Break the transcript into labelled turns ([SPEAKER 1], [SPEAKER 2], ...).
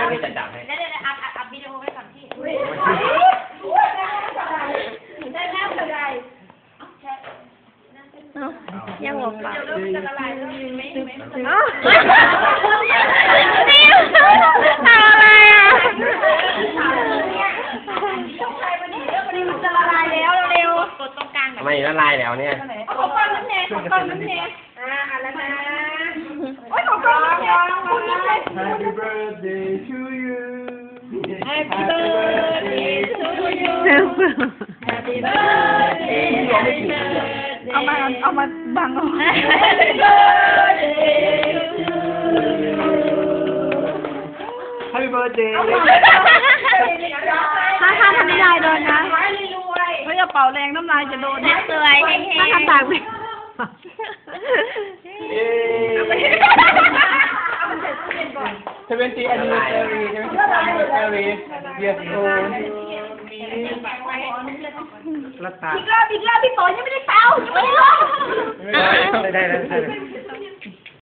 [SPEAKER 1] พี่จะจับให้
[SPEAKER 2] เดี๋ยวอัพวิดีโอไว้ก่อนพี่ได้แล้วอะไร
[SPEAKER 3] ยังหลงปาก
[SPEAKER 2] จะละลายแล้วไม่
[SPEAKER 3] ทำอะไรอ่ะ
[SPEAKER 2] จะละลายแล้วเร็วกดตรงกลาง
[SPEAKER 1] ไม่ละลายแล้วเนี่ย
[SPEAKER 2] ของก้อนน้ำเนยของก้อนน้ำเนยแล้วนะโอ้ยของก้อนน้ำเนย
[SPEAKER 4] Happy birthday to you
[SPEAKER 2] Happy birthday to you Happy birthday
[SPEAKER 3] เอามาบังเอา
[SPEAKER 2] Happy birthday
[SPEAKER 4] Happy birthday
[SPEAKER 3] ถ้าทำไม่ได้โดนนะเขาจะเป่าแรงน้ำลายจะโดน
[SPEAKER 2] สวยเฮ้ย
[SPEAKER 3] ถ้าทำต่างไป
[SPEAKER 4] 70 anniversary yes old รัตตา
[SPEAKER 2] อีกรอบพี่โตยังไม่ได้เป่ายังไม่ได้ลง
[SPEAKER 4] ได้